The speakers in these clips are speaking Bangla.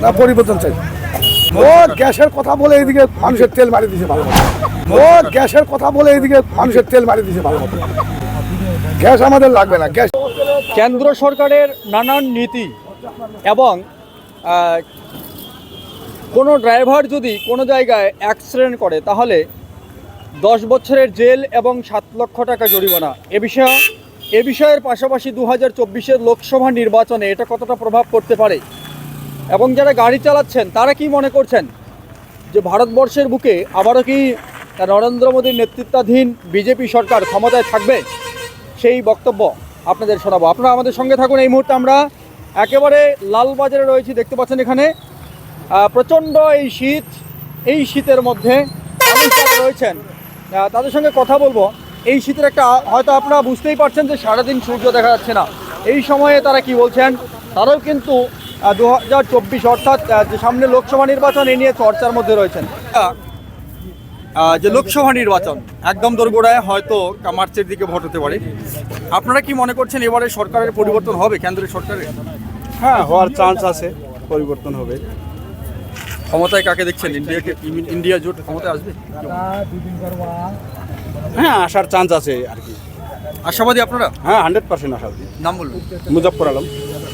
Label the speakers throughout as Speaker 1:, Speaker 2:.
Speaker 1: না পরিবর্তন চাই। ও গ্যাসের কথা বলে এইদিকে মানুষের তেল মারি দিয়েছে ভালো মতো। ও গ্যাসের কথা বলে এইদিকে মানুষের তেল মারি দিয়েছে ভালো মতো। গ্যাস আমাদের লাগবে না। গ্যাস
Speaker 2: কেন্দ্র সরকারের নানান নীতি এবং কোনো ড্রাইভার যদি কোনো জায়গায় অ্যাক্সিডেন্ট করে তাহলে 10 বছরের জেল এবং 7 লক্ষ টাকা জরিমানা। এ বিষয়ের পাশাপাশি 2024-এর লোকসভা নির্বাচনে এটা কতটা প্রভাব পড়তে পারে এবং যারা গাড়ি চালাচ্ছেন তারা কি মনে করছেন যে ভারতবর্ষের বুকে আবারও কি নরেন্দ্র মোদীর নেতৃত্বাধীন বিজেপি সরকার ক্ষমতায় থাকবে, সেই বক্তব্য আপনাদের শোনাবো। আপনারা আমাদের সঙ্গে থাকুন। এই মুহূর্তে আমরা একেবারে লালবাজারে রয়েছি, দেখতে পাচ্ছেন এখানে প্রচণ্ড এই শীতের মধ্যে মানুষ যারা রয়েছেন তাদের সঙ্গে কথা বলবো। এই শীতের একটা হয়তো আপনারা বুঝতেই পারছেন যে সারাদিন সূর্য দেখা যাচ্ছে না, এই সময়ে তারা কি বলছেন। তারাও কিন্তু 2024 অর্থাৎ যে সামনে লোকসভা নির্বাচন এ নিয়ে চর্চার মধ্যে রয়েছেন। যে লোকসভা নির্বাচন একদম দোরগোড়ায়, হয়তো মার্চের দিকে ভোট হতে পারে। আপনারা কি মনে করছেন এবারে সরকারের পরিবর্তন হবে, কেন্দ্রের সরকারের?
Speaker 3: হ্যাঁ, হওয়ার চান্স আছে, পরিবর্তন হবে।
Speaker 2: ক্ষমতায় কাকে দেখছেন? ইন্ডিয়া জোট ক্ষমতায় আসবে?
Speaker 3: হ্যাঁ, আসার চান্স আছে আর কি।
Speaker 2: আশাবাদী আপনারা?
Speaker 3: হ্যাঁ, 100% আশাবাদী।
Speaker 2: নাম বলুন।
Speaker 3: মুজফ্ফর আলম।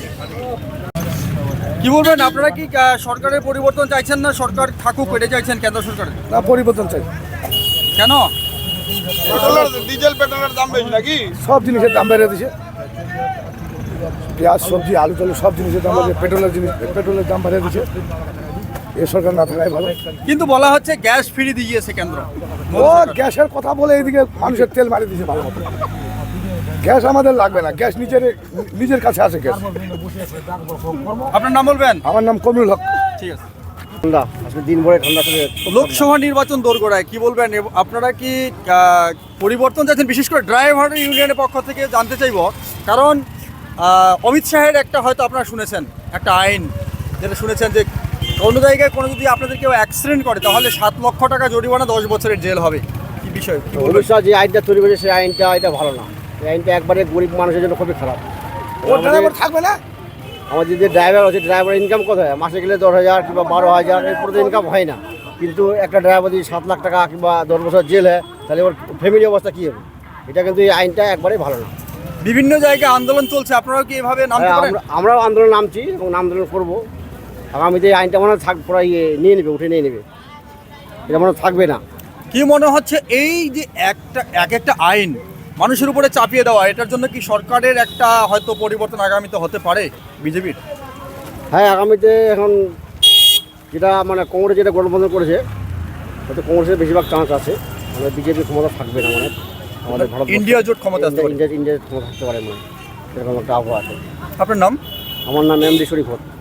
Speaker 2: কি বলবেন, আপনারা কি সরকারের পরিবর্তন চাইছেন না সরকার থাকুক এটা চাইছেন কেন্দ্র সরকারের?
Speaker 1: না পরিবর্তন চাই।
Speaker 2: কেন?
Speaker 3: ডিজেল পেট্রোলের দাম বেশি নাকি?
Speaker 1: সব জিনিসের দাম বেড়ে দিয়েছে। পেঁয়াজ, সবজি, আলু টালু সব জিনিসের দাম বেড়ে, পেট্রোলের দাম বেড়ে দিয়েছে। এ সরকার না থাকাই ভালো।
Speaker 2: কিন্তু বলা হচ্ছে গ্যাস ফ্রি দিয়েছে কেন্দ্র।
Speaker 1: ও গ্যাসের কথা বলে এইদিকে মানুষের তেল মারি দিয়েছে ভালো মতো। গ্যাস আমাদের লাগবে না। গ্যাস নিজের কাছে আছে গ্যাস।
Speaker 2: আপনার নাম বলবেন?
Speaker 1: আমার নাম কমরুল হক।
Speaker 2: ঠিক আছে।
Speaker 1: ঠান্ডা আজকে দিন ভরে ঠান্ডা চলে যাচ্ছে।
Speaker 2: লোকসভা নির্বাচন দোরগোড়ায়, কি বলবেন আপনারা কি পরিবর্তন চাইছেন? বিশেষ করে ড্রাইভার ইউনিয়নের পক্ষ থেকে জানতে চাইব, কারণ অমিত শাহের একটা হয়তো আপনারা শুনেছেন একটা আইন, যেটা শুনেছেন যে কোনো জায়গায় কোনো যদি আপনাদের কেউ অ্যাক্সিডেন্ট করে তাহলে 7 লক্ষ টাকা জরিমানা, 10 বছরের জেল হবে। কি বিষয়?
Speaker 4: অমিত শাহ যে আইনটা তৈরি করেছে সেই আইনটা এটা ভালো না। এই আইনটা একবারে গরিব মানুষের জন্য খুবই খারাপ।
Speaker 1: ও ড্রাইভার থাকবে না।
Speaker 4: আমাদের যে ড্রাইভার আছে, ড্রাইভার ইনকাম কত হয়? মাসে গেলে 10,000 কিংবা 12,000, এরপরে তো ইনকাম হয় না। কিন্তু একটা ড্রাইভার যদি 7 লাখ টাকা কিংবা 10 বছর জেল হয়, তাহলে ওর ফ্যামিলি অবস্থা কী হবে? এটা কিন্তু এই আইনটা একবারেই ভালো না।
Speaker 2: বিভিন্ন জায়গায় আন্দোলন চলছে, আপনারাও কি এভাবে নামতে পারেন?
Speaker 4: আমরাও আন্দোলন নামছি এবং আন্দোলন করবো। আগামীতে এই আইনটা মনে হয় পুরো নিয়ে নেবে, উঠে নিয়ে নেবে। এটা মনে থাকবে না।
Speaker 2: কি মনে হচ্ছে এই যে একটা আইন মানুষের উপরে চাপিয়ে দেওয়া, এটার জন্য কি সরকারের একটা হয়তো পরিবর্তন আগামীতে হতে পারে বিজেপির?
Speaker 4: হ্যাঁ, আগামীতে এখন যেটা মানে কংগ্রেস যেটা গঠবন্ধন করেছে, হয়তো কংগ্রেসের বেশিরভাগ চান্স আছে। আমাদের বিজেপি ক্ষমতা থাকবে না, মানে আমাদের ভারত
Speaker 2: ইন্ডিয়া জোট ক্ষমতা আসতে পারে।
Speaker 4: ইন্ডিয়া ক্ষমতা থাকতে পারে, মানে এরকম একটা আবহাওয়া আছে।
Speaker 2: আপনার নাম?
Speaker 4: আমার নাম এমডি শরীফ।